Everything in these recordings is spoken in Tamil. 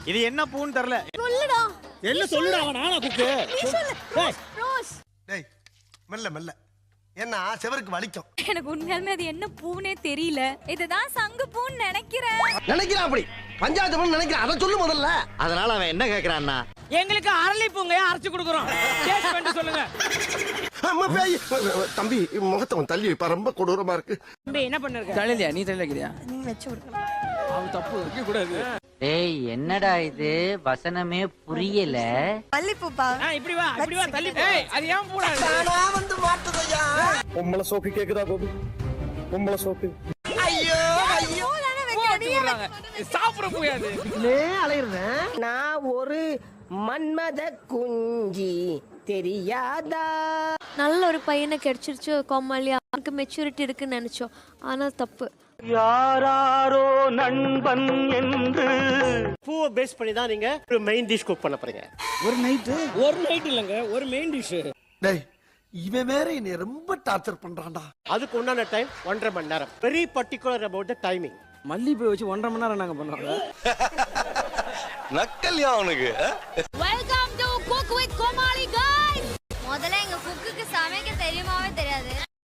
இது என்ன பூன்னு தெரியல. சொல்லுடா. என்ன சொல்லுடா நானா குக்கு. டேய் ரோஸ். டேய் மெல்ல மெல்ல. என்ன செவருக்கு வலிக்கும். எனக்கு உண்மையாலுமே அது என்ன பூனே தெரியல. இதுதான் சங்கு பூன்னு நினைக்கிறேன். நினைக்கிறான் அப்படி. பஞ்சாயத்து பண்ண நினைக்கிறான். அத சொல்லு முதல்ல. அதனால அவன் என்ன கேக்குறான்னா எங்களுக்கு அரளி பூங்க அரைச்சு கொடுக்குறோம். டேஸ்ட் பண்ணி சொல்லுங்க. அம்மா பேய். தம்பி முகத்தை தள்ளி வைப்பா. ரொம்ப கொடூரமா இருக்கு. தம்பி என்ன பண்ணிருக்க? தள்ளியா நீ தள்ளிக்கிறியா? நீ வெச்சு விடுங்க. அவ தப்பு வைக்க கூடாது. டேய் என்னடா இது வசனமே புரியல. மல்லிப்பூப்பா. இப்படி வா தள்ளி போ. ஏய் அது ஏன் போடாது? தானா வந்து மாட்டுதையா. பொம்பள சோக்கு கேக்குதா கோபி? பொம்பள சோக்கு. ஐயோ ஐயோ. சாப்பிட முடியாது. அலையிறேன். நான் ஒரு மன்மத குஞ்சி தெரியாதா? நல்ல ஒரு பையனை கிடைச்சிருச்சு கோமாளி. அவனுக்கு மெச்சூரிட்டி இருக்குன்னு நினைச்சோம். ஆனா தப்பு. யாராரோ நண்பன் என்று பூவை பேஸ் பண்ணி தான் நீங்க ஒரு மெயின் டிஷ் குக் பண்ண போறீங்க. ஒரு நைட் இல்லங்க ஒரு மெயின் டிஷ். டேய் இவன் வேற என்னை ரொம்ப டார்ச்சர் பண்றான்டா. அதுக்கு உண்டான டைம் 1.5 மணி நேரம். Very particular about the timing. மல்லிப்பூ வச்சு 1.5 மணி நேரம் நாங்க பண்ணுவாங்க. நக்கல்யா அவனுக்கு. Welcome to Cook with Comali guys. முதல்ல எங்க குக்குக்கு சமைக்க தெரியுமாவே தெரியாது.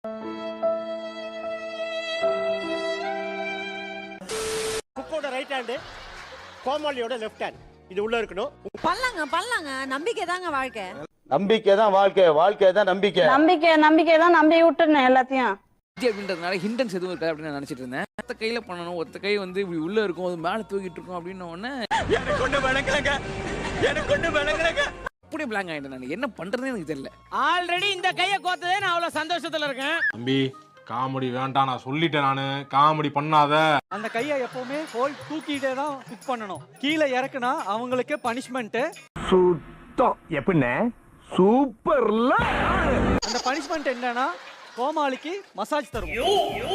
குக்கோட ரைட் ஹேண்ட், கோமாளியோட லெஃப்ட் ஹேண்ட். இது உள்ள இருக்கணும். பண்ணலாங்க நம்பிக்கை தாங்க வாழ்க்கை. நம்பிக்கை தான் வாழ்க்கை, வாழ்க்கை தான் நம்பிக்கை. நம்பிக்கை தான் நம்பி விட்டுருந்தேன் எல்லாத்தையும். அப்படின்றதுனால ஹிண்டன்ஸ் எதுவும் இருக்காது அப்படின்னு நான் நினைச்சிட்டு இருந்தேன். ஒத்த கையில பண்ணணும், ஒத்த கை வந்து இப்படி உள்ள இருக்கும், அது மேல தூக்கிட்டு இருக்கும் அப்படின்னு உடனே எனக்கு கொண்டு விளங்குறங்க. அப்படியே பிளாங்க் ஆயிட்டேன். நான் என்ன பண்றதுன்னு எனக்கு தெரியல. ஆல்ரெடி இந்த கையை கோத்ததே நான் அவ்வளவு சந்தோஷத்துல இருக்கேன். தம்பி காமெடி வேண்டாம், நான் சொல்லிட்டேன். நானு காமெடி பண்ணாத. அந்த கையை எப்பவுமே ஹோல் தூக்கிட்டே தான் குக் பண்ணணும். கீழே இறக்குனா அவங்களுக்கே பனிஷ்மெண்ட். சுத்தம் எப்படின்னு சூப்பர்ல. அந்த பனிஷ்மெண்ட் என்னன்னா கோமாளிக்கு மசாஜ் தருவோம்.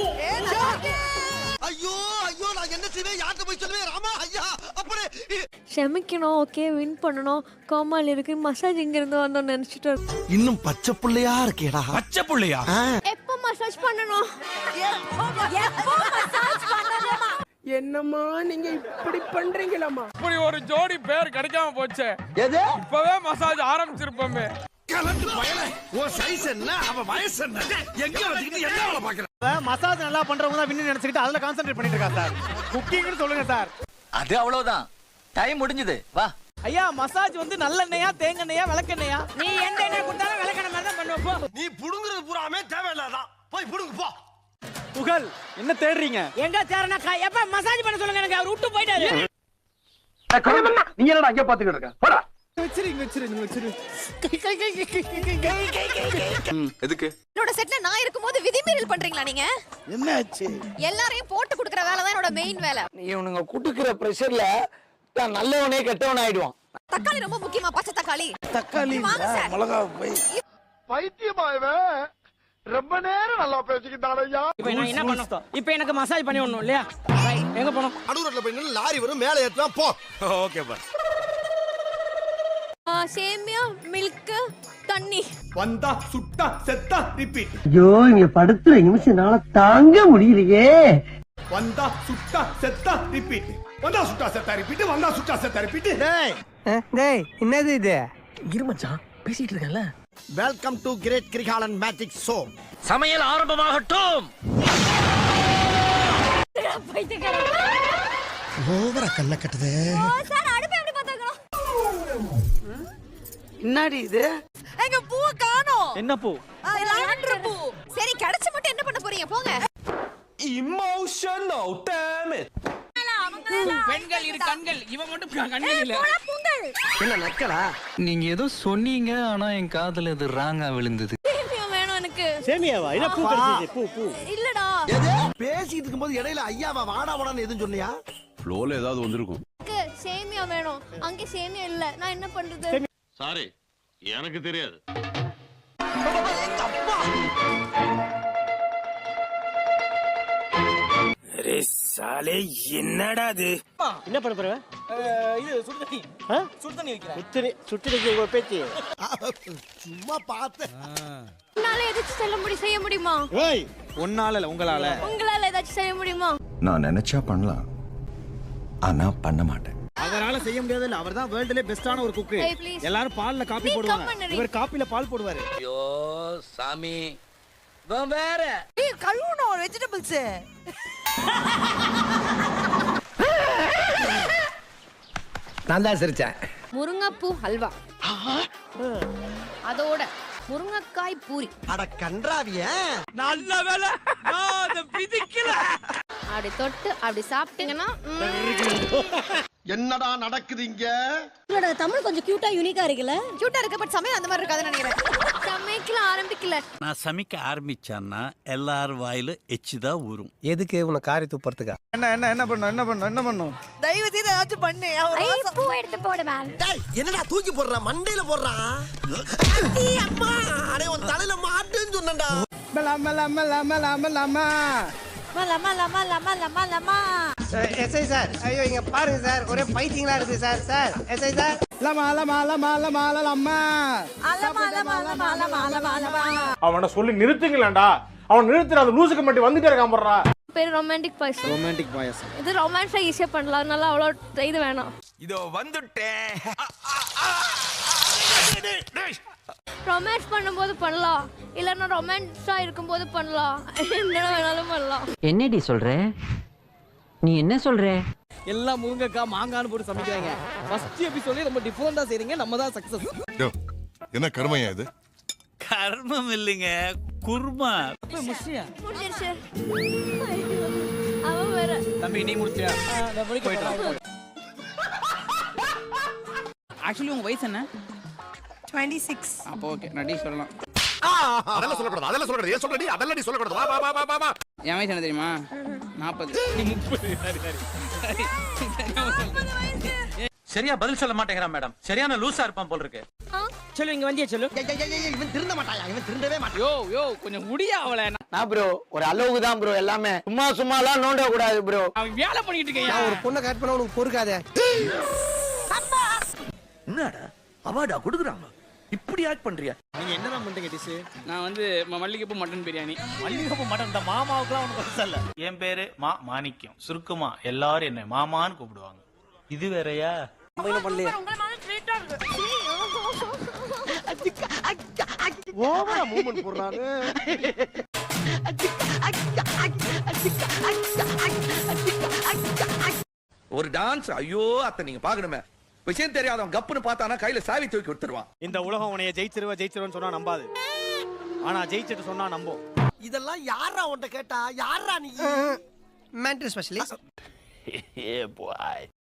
ஐயோ ஐயோ நான் என்ன செய்வேன்? யார்கிட்ட போய் சொல்லுவேன்? ராமா ஐயா அப்படி ஷமிக்கணும். ஓகே வின் பண்ணணும். கோமாளி இருக்கு. மசாஜ் இங்க இருந்து வந்தோம் நினைச்சிட்டு. இன்னும் பச்சை புள்ளையா இருக்கேடா. பச்சை புள்ளையா? எப்போ மசாஜ் பண்ணணும்? எப்போ மசாஜ் பண்ணணுமா? என்னம்மா நீங்க இப்படி பண்றீங்களாமா? இப்படி ஒரு ஜோடி பேர் கிடைக்காம போச்சே. எது? இப்பவே மசாஜ் ஆரம்பிச்சிருப்போமே. கலந்து பயல. ஓ சைஸ் என்ன? அவ வயசு என்ன? எங்க வச்சிட்டு என்ன வேலை பாக்குற? மசாஜ் நல்லா பண்றவங்க தான் வின்னு நினைச்சிட்டு அதுல கான்சென்ட்ரேட் பண்ணிட்டு இருக்கா சார். குக்கிங்னு சொல்லுங்க சார். அது அவ்வளவுதான், டைம் முடிஞ்சது. வா ஐயா மசாஜ் வந்து நல்லெண்ணெயா தேங்காய்யா விளக்கெண்ணெயா? நீ எந்த எண்ணெய் கொடுத்தாலும் விளக்கெண்ணெய் மாதிரி தான் பண்ணுவோம். நீ புடுங்குறது பூராமே தேவையில்லாதான். போய் புடுங்கு போ. புகழ் என்ன தேடுறீங்க? எங்க தேரனா எப்ப மசாஜ் பண்ண சொல்லுங்க. எனக்கு அவர் விட்டு போயிட்டாரு. நீங்க என்னடா அங்க பாத்துக்கிட்டு இருக்க? போடா. எதுக்கு? என்னோட செட்ல நான் இருக்கும்போது விதிமீறல் பண்றீங்களா நீங்க? என்னாச்சு? எல்லாரையும் போட்டு குடுக்குற வேலை தான் என்னோட மெயின் வேலை. இவனுங்க குடுக்குற பிரஷர்ல தான் நல்லவனே கெட்டவன் ஆயிடுவான். தக்காளி ரொம்ப முக்கியமா? பச்சை தக்காளி. தக்காளி மிளகா போய் பைத்தியமாயவே. ரொம்ப நேரம் நல்லா பேசிக்கிட்டான் ஐயா. இப்போ நான் என்ன பண்ணணும்? இப்போ எனக்கு மசாஜ் பண்ணி விடணும் இல்லையா? எங்க போணும்? நடுரோட்ல போய் நின்னு லாரி வரும், மேலே ஏத்தலாம் போ. ஓகே பா. சேமியா, மில்க், தண்ணி. வந்தா சுட்டா செத்தா ரிப்பீட். ஐயோ இங்க படுத்துற நிமிஷம்னால தாங்க முடியலையே. வந்தா சுட்டா செத்தா ரிப்பீட். வந்தா சுட்டா செத்தா ரிப்பீட். வந்தா சுட்டா செத்தா ரிப்பீட். டேய் டேய் என்னது இது? இருமச்சான் பேசிட்டு இருக்கல. Welcome to great Kirikalan magic show. சமையல் ஆரம்பமாகட்டும். ஓவரா கண்ண கட்டுதே. சார் அடுப்பு எப்படி பாத்துக்கணும்? என்னடி இது? எங்க பூ காணோம். என்ன பூ? லாவெண்டர் பூ. சரி கிடைச்ச மட்டும் என்ன பண்ண போறீங்க? போங்க. Emotional damn it. பெண்கள் இரு கண்கள், இவன் மட்டும் கண்கள் இல்ல. என்ன நக்கலா? நீங்க ஏதோ சொன்னீங்க, ஆனா என் காதுல இது ராங்கா விழுந்தது. சேமியா வேணும் எனக்கு. சேமியாவா? என்ன பூ கிடைச்சது? பூ. இல்லடா. பேசிட்டு இருக்கும்போது இடையில ஐயாவா வாடா வாடான்னு எதுவும் சொன்னியா? ஃப்ளோல ஏதாவது வந்திருக்கும். சேமியா வேணும். அங்க சேமியா இல்ல. நான் என்ன பண்றது? சாரி, எனக்கு தெரியாது. சாலே என்னடா இது? என்ன பண்ண போற? இது சுடு தண்ணி. சுடு தண்ணி வைக்கிறேன். சுட்டு ஒரு பேச்சு. சும்மா பார்த்து. உங்களால ஏதாச்சும் செய்ய முடியுமா? ஏய் உன்னால இல்ல உங்களால ஏதாச்சும் செய்ய முடியுமா? நான் நினைச்சா பண்ணலாம், ஆனா பண்ண மாட்டேன். அவரால செய்ய முடியாது இல்ல, அவர் தான் வேர்ல்ட்லயே பெஸ்டான ஒரு குக்கு. Hey, please. எல்லாரும் பால்ல காபி நீ போடுவாங்க, come பண்ணு. இவர் காப்பில பால் போடுவாரு. ஐயோ சாமி வேற கழுவணும் வெஜிடபிள்ஸ். நான் தான் சிரிச்சேன். முருங்கைப்பூ ஹல்வா, அதோட முருங்கைக்காய் பூரி. அட கன்றாவிய நல்ல வேலை நான் அதை பிதிக்கல. அப்படி தொட்டு அப்படி சாப்பிட்டீங்கன்னா என்னடா நடக்குது இங்க? உங்களோட தமிழ் கொஞ்சம் கியூட்டா யூனிக்கா இருக்குல்ல. கியூட்டா இருக்கு, பட் சமையல் அந்த மாதிரி இருக்காதுன்னு நினைக்கிறேன். சமைக்கலாம் ஆரம்பிக்கல. நான் சமைக்க ஆரம்பிச்சான்னா எல்லாரும் வாயில எச்சிதான் ஊறும். எதுக்கு உன காரி துப்புறதுக்கா? என்ன பண்ணும்? தயவு செய்து ஏதாச்சும் பண்ணு. பூ எடுத்து போடு மேம். டேய் என்னடா தூக்கி போடுற, மண்டையில போடுறா. அம்மா அடே உன் தலையில மாட்டுன்னு சொன்னேன்டா. எஸ்ஐ சார், ஐயோ இங்க பாருங்க சார், ஒரே பைத்தியங்களா இருக்கு சார். சார் எஸ்ஐ சார், அவனை சொல்லி நிறுத்துங்களேன்டா. அவன் நிறுத்துற அந்த லூசுக்கு மட்டும் வந்துட்டே இருக்கான் போடுறா. பேர் ரொமான்டிக் பாயசம். ரொமான்டிக் பாயசம். இது ரொமான்ஸா ஈஸியா பண்ணலாம், அதனால அவ்வளோ இது வேணாம். இதோ வந்துட்டேன். ரொமான்ஸ் பண்ணும்போது பண்ணலாம், இல்லைன்னா ரொமான்ஸா இருக்கும்போது பண்ணலாம். என்ன வேணாலும் பண்ணலாம். என்னடி சொல்ற? நீ என்ன சொல்ற? எல்லாம் முருங்கைக்காய் மாங்கான்னு போட்டு சமைக்கிறாங்க. ஃபர்ஸ்ட் எபிசோட்லயே ரொம்ப டிஃபரெண்டா செய்றீங்க, நம்ம தான் சக்சஸ். என்ன கருமையா இது? கர்மம் இல்லைங்க, குர்மா. முஷியா முடிஞ்சிருச்சு. ஐயோ, அவன் வேற. தம்பி நீ முடிச்சியா? நான் போயிட்டேன். ஆக்சுவலி உங்க வயசு என்ன? 26. அப்போ ஓகே, நான் டி சொல்லலாம். அதெல்லாம் சொல்லக்கூடாது. ஏன் சொல்றடி? அதெல்லாம் நீ சொல்லக்கூடாது. வா. என் வயசு என்ன தெரியுமா? 40. சரியா பதில் சொல்ல மாட்டேங்கிறான் மேடம். சரியான லூசா இருப்பான் போல இருக்கு. சொல்லு இங்க வந்தியா சொல்லு. இவன் திருந்த மாட்டாயா? இவன் திருந்தவே மாட்டான். யோ கொஞ்சம் முடியா அவளை. நான் ப்ரோ ஒரு அளவுக்கு தான் ப்ரோ எல்லாமே. சும்மாலாம் நோண்ட கூடாது ப்ரோ. அவன் வேலை பண்ணிட்டு இருக்கேன். ஒரு பொண்ணை கட் பண்ண உனக்கு பொறுக்காதே. என்னடா அவார்டா கொடுக்குறாங்க, இப்படி ஆக்ட் பண்றியா? நீங்க என்னதான் பண்றீங்க டிஷ்? நான் வந்து மல்லிகைப்பூ மட்டன் பிரியாணி. மல்லிகைப்பூ மட்டன். இந்த மாமாவுக்குலாம் ஒன்றும் பெருசா இல்ல. என் பேரு மாணிக்கம். சுருக்கமா எல்லாரும் என்ன மாமான்னு கூப்பிடுவாங்க. இது வேறயா? பண்ணலையா? உங்களை மாதிரி ஸ்வீட்டா இருக்கு. ஓவரா மூவ்மெண்ட் போடுறாரு. ஒரு டான்ஸ். ஐயோ அத்தை நீங்க பாக்கணுமே. விஷயம் தெரியாதவன் கப்புன்னு பார்த்தானா கையில சாவி தூக்கி விட்டுருவான். இந்த உலகம் உன்னைய ஜெயிச்சிருவேன்னு சொன்னா நம்பாது, ஆனா ஜெயிச்சிட்டு சொன்னா நம்பும். இதெல்லாம் யாரா உன்கிட்ட கேட்டா? யாரா நீ? Mental specialist.